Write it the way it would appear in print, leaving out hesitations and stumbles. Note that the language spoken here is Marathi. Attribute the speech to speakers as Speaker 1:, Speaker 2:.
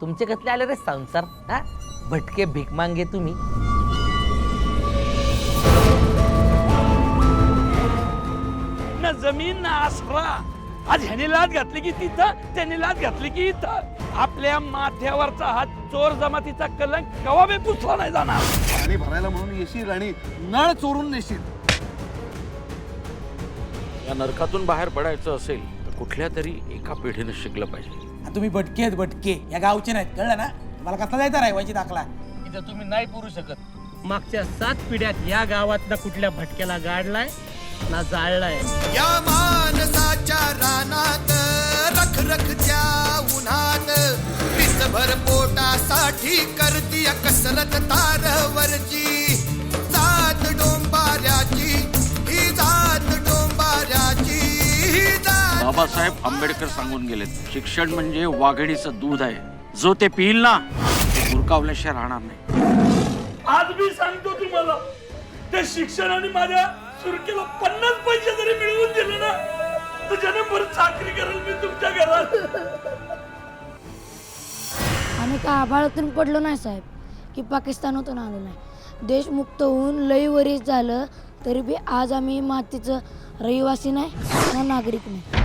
Speaker 1: तुमचे कसले आले रे संसार? हा भटके भीक मांगे तुम्ही.
Speaker 2: ना जमीन ना आसरा. आज ह्याने लाच घातली की तिथं, त्याने लाच घातली की इथं. आपल्या माथ्यावरचा हा चोर जमातीचा कलंक कवा बी पुसला नाही जाणार.
Speaker 3: पाणी भरायला म्हणून येशील आणि नळ चोरून नेशील.
Speaker 4: या नरकातून बाहेर पडायचं असेल तर कुठल्या तरी एका पिढीने शिकलं पाहिजे.
Speaker 5: तुम्ही भटके आहेत, भटके या गावचे नाहीत, कळलं ना? मला कसला जायचा राहायची दाखला?
Speaker 1: इथं तुम्ही नाही पुरू शकत. मागच्या 7 पिढ्यात या गावात ना कुठल्या भटक्याला गाडलाय ना जाळलाय.
Speaker 6: या मानसाच्या रानात रखरखच्या उन्हात पिसभर पोटासाठी करती कसरत तारवरची. जात डोंबाऱ्याची ही जात डोंबाऱ्याची ही जात.
Speaker 4: बाबासाहेब आंबेडकर सांगून गेलेत, शिक्षण म्हणजे वाघिणीचं दूध आहे, जो ते पिईल ना ते गुरकावल्याशिवाय राहणार नाही.
Speaker 2: आज मी सांगतो तुम्हाला, त्या शिक्षणाने माझ्या सुरकेला 50 पैसे जरी मिळवून दिले ना, तर जन्मभर चाकरी करेल मी तुमच्या घरात.
Speaker 7: आम्ही का आभाळातून पडलो नाही साहेब, की पाकिस्तानातून आलो नाही. देश मुक्त होऊन लई वरीस झालं तरी बी आज आम्ही मातीचं रहिवासी नाही ना नागरिक नाही.